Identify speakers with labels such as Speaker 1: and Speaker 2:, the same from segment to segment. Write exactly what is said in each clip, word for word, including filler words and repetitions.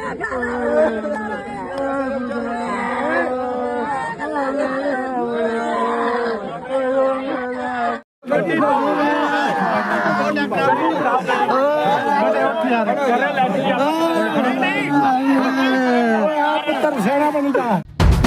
Speaker 1: ਪੁੱਤਰ ਸੇਣਾ ਬਣੂਗਾ।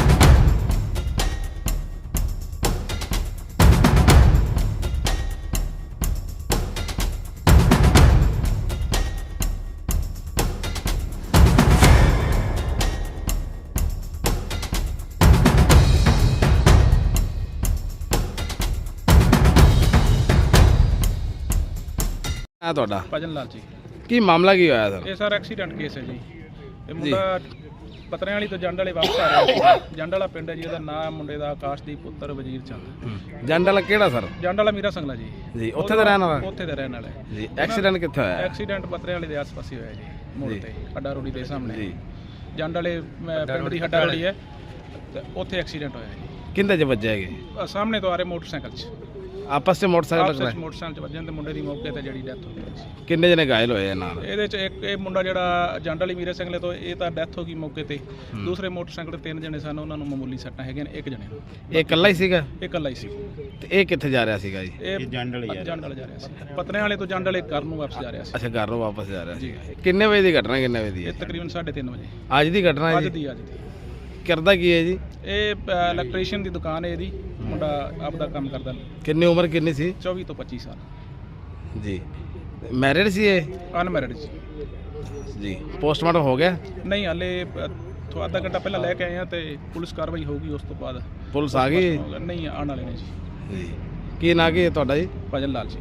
Speaker 2: ਆ ਤੁਹਾਡਾ
Speaker 3: ਭਜਨ ਲਾਲ ਜੀ।
Speaker 2: ਕੀ ਮਾਮਲਾ ਕੀ ਹੋਇਆ ਸਰ?
Speaker 3: ਇਹ ਸਰ ਐਕਸੀਡੈਂਟ ਕੇਸ ਹੈ ਜੀ। ਇਹ ਮੁੰਡਾ ਪਤਰਿਆਂ ਵਾਲੀ ਤੋਂ ਜੰਡ ਵਾਲੇ ਵਾਪਸ ਆ ਰਿਹਾ ਸੀ। ਜੰਡ ਵਾਲਾ ਪਿੰਡ ਹੈ ਜੀ, ਇਹਦਾ ਨਾਮ ਮੁੰਡੇ ਦਾ ਆਕਾਸ਼ਦੀਪ ਪੁੱਤਰ ਵਜ਼ੀਰ ਚੰਦ।
Speaker 2: ਜੰਡ ਵਾਲਾ ਕਿਹੜਾ ਸਰ?
Speaker 3: ਜੰਡ ਵਾਲਾ ਮੀਰਾ ਸੰਗਲਾ ਜੀ।
Speaker 2: ਜੀ ਉੱਥੇ ਦਾ ਰਹਿਣ ਵਾਲਾ?
Speaker 3: ਉੱਥੇ ਦਾ ਰਹਿਣ ਵਾਲਾ ਹੈ
Speaker 2: ਜੀ। ਐਕਸੀਡੈਂਟ ਕਿੱਥੇ ਹੋਇਆ?
Speaker 3: ਐਕਸੀਡੈਂਟ ਪਤਰਿਆਂ ਵਾਲੇ ਦੇ ਆਸ-ਪਾਸੇ ਹੋਇਆ ਜੀ, ਮੋੜ ਤੇ ਹੱਡਾ ਰੋੜੀ ਦੇ ਸਾਹਮਣੇ
Speaker 2: ਜੀ।
Speaker 3: ਜੰਡ ਵਾਲੇ ਅਹ, ਪਿੰਡ ਦੀ ਹੱਡਾ ਰੋੜੀ ਹੈ ਤੇ ਉੱਥੇ ਐਕਸੀਡੈਂਟ ਹੋਇਆ ਜੀ।
Speaker 2: ਕਿੰਦੇ ਚ ਵੱਜਿਆ ਹੈਗੇ?
Speaker 3: ਅਹ, ਸਾਹਮਣੇ ਤੋਂ ਆ ਰਹੇ ਮੋਟਰਸਾਈਕਲ 'ਚ
Speaker 2: ਆਪਸ ਚ ਮੋਟਰਸਾਈਕਲ
Speaker 3: ਆਪਸ ਵਿੱਚ
Speaker 2: ਟਕਰਾਏ?
Speaker 3: ਮੋਟਰਸਾਈਕਲ 'ਚ ਵੱਜਣ ਤੇ ਮੁੰਡੇ ਦੀ ਮੌਕੇ ਤੇ ਜਿਹੜੀ ਡੈਥ ਹੋ ਗਈ ਸੀ।
Speaker 2: ਕਿੰਨੇ ਜਣੇ ਘਾਇਲ ਹੋਏ ਆ ਨਾਲ?
Speaker 3: ਇਹਦੇ ਚ ਇੱਕ ਇਹ ਮੁੰਡਾ ਜਿਹੜਾ ਜੰਡ ਵਾਲੀ ਮੀਰਾ ਸੰਗਲੇ ਤੋਂ, ਇਹ ਤਾਂ ਡੈਥ ਹੋ ਗਈ ਮੌਕੇ ਤੇ। ਦੂਸਰੇ ਮੋਟਰਸਾਈਕਲ ਤੇ ਤਿੰਨ ਜਣੇ ਸਨ, ਉਹਨਾਂ ਨੂੰ ਮਾਮੂਲੀ ਸੱਟਾਂ ਹੈਗੀਆਂ ਨੇ, ਇੱਕ ਜਣੇ ਨੂੰ।
Speaker 2: ਇਹ ਇਕੱਲਾ ਹੀ ਸੀਗਾ?
Speaker 3: ਇਹ ਇਕੱਲਾ ਹੀ ਸੀ।
Speaker 2: ਤੇ ਇਹ ਕਿੱਥੇ ਜਾ ਰਿਹਾ ਸੀਗਾ ਜੀ?
Speaker 3: ਇਹ ਜੰਡ ਵਾਲੇ ਜੰਡ ਵਾਲੇ ਜਾ ਰਿਹਾ ਸੀ। ਪਤਨੇ ਵਾਲੇ ਤੋਂ ਜੰਡ ਵਾਲੇ ਘਰ ਨੂੰ ਵਾਪਸ ਜਾ ਰਿਹਾ ਸੀ।
Speaker 2: ਅੱਛਾ, ਘਰ ਨੂੰ ਵਾਪਸ ਜਾ ਰਿਹਾ ਸੀ। ਕਿੰਨੇ ਵਜੇ ਦੀ ਘਟਨਾ? ਕਿੰਨੇ ਵਜੇ ਦੀ
Speaker 3: ਇਹ
Speaker 2: ਹੈ?
Speaker 3: ਤਕਰੀਬਨ ਸਾਢੇ ਤਿੰਨ ਵਜੇ
Speaker 2: ਅੱਜ ਦੀ ਘਟਨਾ ਹੈ
Speaker 3: ਅੱਜ
Speaker 2: ਜੀ?
Speaker 3: ਦੀ ਅੱਜ ਦੀ।
Speaker 2: ਕਰਦਾ ਕੀ ਹੈ ਜੀ?
Speaker 3: ਇਹ ਇਲੈਕਟ੍ਰੀਸ਼ੀਅਨ ਦੀ ਦੁਕਾਨ ਹੈ ਇਹਦੀ। ਮੁੰਡਾ ਆਪਦਾ ਕੰਮ ਕਰਦਾ।
Speaker 2: ਕਿੰਨੀ ਉਮਰ ਕਿੰਨੀ ਸੀ?
Speaker 3: ਚੌਵੀ ਤੋਂ ਪੱਚੀ ਸਾਲ
Speaker 2: ਜੀ। ਮੈਰਿਡ ਸੀ ਇਹ?
Speaker 3: ਅਨਮੈਰਿਡ ਸੀ
Speaker 2: ਜੀ। ਪੋਸਟਮਾਰਟਮ ਹੋ ਗਿਆ?
Speaker 3: ਨਹੀਂ, ਹਾਲੇ ਥੋ ਅੱਧਾ ਘੰਟਾ ਪਹਿਲਾਂ ਲੈ ਕੇ ਆਏ ਆ ਤੇ ਪੁਲਿਸ ਕਾਰਵਾਈ ਹੋਊਗੀ ਉਸ ਤੋਂ ਬਾਅਦ।
Speaker 2: ਪੁਲਿਸ ਆ ਗਈ?
Speaker 3: ਨਹੀਂ, ਆਉਣ ਵਾਲੇ ਨੇ ਜੀ।
Speaker 2: ਜੀ। ਕੀ ਨਾਂ ਕੀ ਹੈ ਤੁਹਾਡਾ ਜੀ?
Speaker 3: ਭਜਨ ਲਾਲ ਜੀ।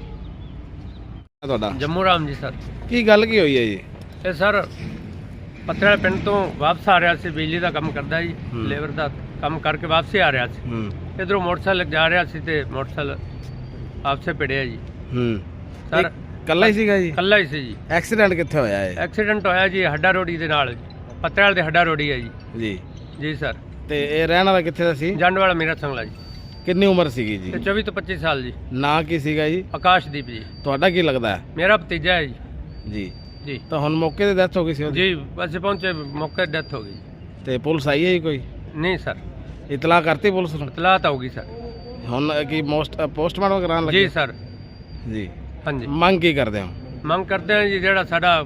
Speaker 2: ਤੁਹਾਡਾ?
Speaker 4: ਜੰਮੂ ਰਾਮ ਜੀ ਸਰ।
Speaker 2: ਕੀ ਗੱਲ ਕੀ ਹੋਈ ਹੈ ਜੀ?
Speaker 4: ਇਹ ਸਰ ਪੱਤਰਾ ਪਿੰਡ ਤੋਂ ਵਾਪਸ ਆ ਰਿਹਾ ਸੀ, ਬਿਜਲੀ ਦਾ ਕੰਮ ਕਰਦਾ ਜੀ,
Speaker 2: ਹੂੰ।
Speaker 4: ਲੇਬਰ ਦਾ ਕੰਮ ਕਰਕੇ ਵਾਪਸ ਆ ਰਿਹਾ ਸੀ।
Speaker 2: ਹੂੰ
Speaker 4: ਇਧਰੋਂ ਮੋਟਰਸਾਈਕਲ ਜਾ ਰਿਹਾ ਸੀ ਤੇ ਮੋਟਰਸਾਈਕਲ ਆਪਸੇ ਭਿੜਿਆ ਜੀ।
Speaker 2: ਹੂੰ
Speaker 4: ਸਰ
Speaker 2: ਕੱਲਾ ਹੀ ਸੀਗਾ ਜੀ?
Speaker 4: ਕੱਲਾ ਹੀ ਸੀ ਜੀ।
Speaker 2: ਐਕਸੀਡੈਂਟ ਕਿੱਥੇ ਹੋਇਆ ਹੈ?
Speaker 4: ਐਕਸੀਡੈਂਟ ਹੋਇਆ ਜੀ ਹੱਡਾ ਰੋੜੀ ਦੇ ਨਾਲ, ਪੱਤਰਾਲ ਦੇ ਹੱਡਾ ਰੋੜੀ ਹੈ ਜੀ।
Speaker 2: ਜੀ
Speaker 4: ਜੀ ਸਰ।
Speaker 2: ਤੇ ਇਹ ਰਹਿਣ ਵਾਲਾ ਕਿੱਥੇ ਦਾ ਸੀ?
Speaker 4: ਜੰਡ ਵਾਲਾ ਮੇਰਾ ਸੰਗਲਾ ਜੀ।
Speaker 2: ਕਿੰਨੀ ਉਮਰ ਸੀਗੀ ਜੀ?
Speaker 4: ਤੇ ਚੌਵੀ ਤੋਂ ਪੱਚੀ ਸਾਲ ਜੀ।
Speaker 2: ਨਾਂ ਕੀ ਸੀਗਾ ਜੀ?
Speaker 4: ਆਕਾਸ਼ਦੀਪ ਜੀ।
Speaker 2: ਤੁਹਾਡਾ ਕੀ ਲੱਗਦਾ ਹੈ?
Speaker 4: ਮੇਰਾ ਭਤੀਜਾ ਹੈ ਜੀ।
Speaker 2: ਜੀ।
Speaker 4: ਜੀ
Speaker 2: ਤਾਂ ਹੁਣ ਮੌਕੇ ਤੇ ਡੈਥ ਹੋ ਗਈ ਸੀ ਉਹਦੀ?
Speaker 4: ਜੀ ਅਸੀਂ ਪਹੁੰਚੇ, ਮੌਕੇ ਤੇ ਡੈਥ ਹੋ ਗਈ।
Speaker 2: ਤੇ ਪੁਲਿਸ ਆਈ ਹੈ ਜੀ ਕੋਈ?
Speaker 4: ਨਹੀਂ ਸਰ,
Speaker 2: ਇਤਲਾਹ ਕਰਤੀ ਪੁਲਿਸ ਨੂੰ?
Speaker 4: ਇਤਲਾਹ ਤਾਂ ਹੋ ਗਈ ਸਰ।
Speaker 2: ਹੁਣ ਕੀ ਮੋਸਟ ਪੋਸਟਮਾਰਟਮ ਕਰਾਉਣ ਲੱਗੇ?
Speaker 4: ਜੀ ਸਰ।
Speaker 2: ਜੀ।
Speaker 4: ਹਾਂਜੀ।
Speaker 2: ਮੰਗ ਕੀ ਕਰਦੇ ਹੋ?
Speaker 4: ਮੰਗ ਕਰਦੇ ਹਾਂ ਜੀ ਜਿਹੜਾ ਸਾਡਾ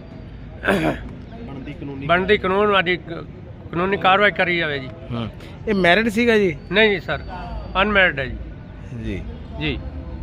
Speaker 4: ਬਣਦੀ ਕਾਨੂੰਨ ਵਾਲੀ ਕਾਨੂੰਨੀ ਕਾਰਵਾਈ ਕਰੀ ਜਾਵੇ ਜੀ।
Speaker 2: ਹੂੰ। ਇਹ ਮੈਰਿਡ ਸੀਗਾ ਜੀ?
Speaker 4: ਨਹੀਂ ਜੀ ਸਰ, ਅਨਮੈਰਿਡ ਹੈ ਜੀ।
Speaker 2: ਜੀ।
Speaker 4: ਜੀ।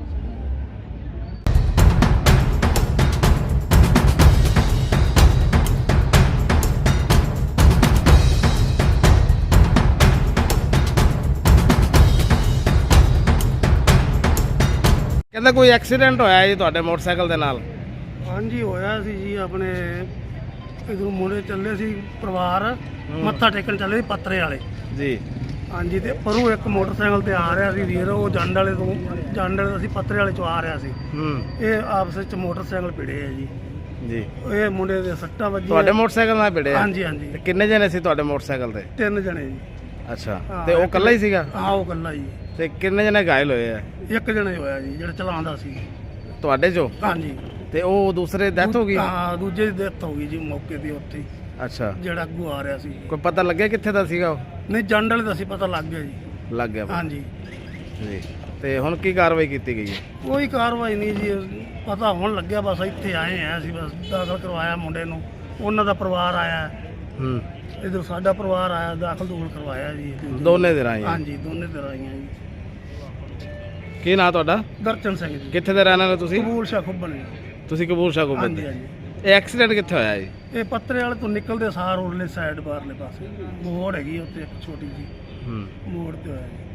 Speaker 2: ਕਹਿੰਦਾ ਕੋਈ ਐਕਸੀਡੈਂਟ ਹੋਇਆ ਜੀ ਤੁਹਾਡੇ ਮੋਟਰਸਾਈਕਲ ਦੇ ਨਾਲ?
Speaker 1: ਹਾਂਜੀ ਹੋਇਆ ਸੀ ਜੀ। ਆਪਣੇ ਇਧਰੋਂ ਮੁੰਡੇ ਚੱਲੇ ਸੀ ਪਰਿਵਾਰ, ਮੱਥਾ ਟੇਕਣ ਚੱਲੇ ਸੀ ਪੱਤਰੇ ਵਾਲੇ।
Speaker 2: ਜੀ।
Speaker 1: ਹਾਂਜੀ। ਤੇ ਪਰੋਂ ਇੱਕ ਮੋਟਰਸਾਈਕਲ ਤੇ ਆ ਰਿਹਾ ਸੀ ਵੀਰ, ਉਹ ਜੰਡ ਵਾਲੇ ਤੋਂ ਜੰਡ ਵਾਲੇ ਤੋਂ ਅਸੀਂ ਪੱਤਰੇ ਵਾਲੇ ਚੋਂ ਆ ਰਿਹਾ ਸੀ।
Speaker 2: ਹੂੰ।
Speaker 1: ਇਹ ਆਪਸ ਵਿੱਚ ਮੋਟਰਸਾਈਕਲ ਭਿੜੇ ਆ ਜੀ।
Speaker 2: ਜੀ।
Speaker 1: ਇਹ ਮੁੰਡੇ ਦੇ ਸੱਟਾਂ ਵੱਜੀਆਂ।
Speaker 2: ਤੁਹਾਡੇ ਮੋਟਰਸਾਈਕਲ ਨਾਲ ਭਿੜਿਆ?
Speaker 1: ਹਾਂਜੀ ਹਾਂਜੀ।
Speaker 2: ਤੇ ਕਿੰਨੇ ਜਣੇ ਸੀ ਤੁਹਾਡੇ ਮੋਟਰਸਾਈਕਲ ਤੇ?
Speaker 1: ਤਿੰਨ ਜਣੇ ਜੀ।
Speaker 2: ਅੱਛਾ।
Speaker 1: ਹਾਂ,
Speaker 2: ਤੇ ਉਹ
Speaker 1: ਇੱਕ-
Speaker 2: ਇਕੱਲਾ ਹੀ ਸੀਗਾ?
Speaker 1: ਹਾਂ, ਉਹ ਇਕੱਲਾ ਜੀ।
Speaker 2: ਤੇ ਕਿੰਨੇ ਜਣੇ ਘਾਇਲ ਹੋਏ ਆ?
Speaker 1: ਇੱਕ ਜਣੇ ਹੋਇਆ ਜੀ ਜਿਹੜਾ ਚਲਾਉਂਦਾ ਸੀ।
Speaker 2: ਤੁਹਾਡੇ ਚੋਂ?
Speaker 1: ਹਾਂਜੀ।
Speaker 2: ਤੇ ਉਹ ਦੂਸਰੇ ਡੈਥ ਹੋ ਗਈ?
Speaker 1: ਹਾਂ, ਦੂਜੇ ਦੀ ਡੈਥ ਹੋ ਗਈ ਜੀ ਮੌਕੇ ਤੇ ਉੱਥੇ ਹੀ,
Speaker 2: ਅੱਛਾ।
Speaker 1: ਜਿਹੜਾ ਅੱਗੋਂ ਆ ਰਿਹਾ ਸੀ।
Speaker 2: ਕੋਈ ਪਤਾ ਲੱਗਿਆ ਕਿੱਥੇ ਦਾ ਸੀਗਾ ਉਹ?
Speaker 1: ਨਹੀਂ, ਜੰਡ ਵਾਲੇ ਦਾ ਸੀ, ਪਤਾ ਲੱਗ ਗਿਆ ਜੀ।
Speaker 2: ਲੱਗ ਗਿਆ ਪਤਾ?
Speaker 1: ਹਾਂਜੀ।
Speaker 2: ਜੀ। ਤੇ ਹੁਣ ਕੀ ਕਾਰਵਾਈ ਕੀਤੀ ਗਈ ਹੈ?
Speaker 1: ਕੋਈ ਕਾਰਵਾਈ ਨਹੀਂ ਜੀ, ਪਤਾ ਹੋਣ ਲੱਗਿਆ। ਬਸ ਇੱਥੇ ਆਏ ਆ ਅਸੀਂ, ਬਸ ਦਾਖਲ ਕਰਵਾਇਆ ਮੁੰਡੇ ਨੂੰ, ਉਹਨਾਂ ਦਾ ਪਰਿਵਾਰ ਆਇਆ,
Speaker 2: ਹੂੰ।
Speaker 1: ਇਧਰ ਸਾਡਾ ਪਰਿਵਾਰ ਆਇਆ, ਦਾਖਲ ਦੂਖਲ ਕਰਵਾਇਆ ਜੀ।
Speaker 2: ਦੋਨੇ ਦੇ ਰਾਹੀਂ?
Speaker 1: ਹਾਂਜੀ, ਦੋਨੇ ਤਰ੍ਹਾਂ ਆਈਆਂ ਜੀ।
Speaker 2: ਕੀ ਨਾਂ ਤੁਹਾਡਾ?
Speaker 1: ਦਰਸ਼ਨ ਸਿੰਘ ਜੀ।
Speaker 2: ਕਿੱਥੇ ਦੇ ਰਹਿਣ ਵਾਲੇ ਤੁਸੀਂ?
Speaker 1: ਕਬੂਲ ਸ਼ਾਹ ਖੁੱਬਣ ਜੀ।
Speaker 2: ਤੁਸੀਂ ਕਬੂਲ ਸ਼ਾਹ ਕੋਲ
Speaker 1: ਹਾਂਜੀ
Speaker 2: ਦੇ?
Speaker 1: ਹਾਂਜੀ।
Speaker 2: ਇਹ ਐਕਸੀਡੈਂਟ ਕਿੱਥੇ ਹੋਇਆ ਜੀ?
Speaker 1: ਇਹ ਪੱਤਰੇ ਵਾਲੇ ਤੋਂ ਨਿਕਲਦੇ ਸਾਰ ਉਰਲੇ ਸਾਈਡ ਬਾਹਰਲੇ ਪਾਸੇ ਮੋੜ ਹੈਗੀ ਉੱਥੇ ਇੱਕ ਛੋਟੀ ਜੀ,
Speaker 2: ਹੂੰ।
Speaker 1: ਮੋੜ ਤੇ ਹੋਇਆ ਜੀ।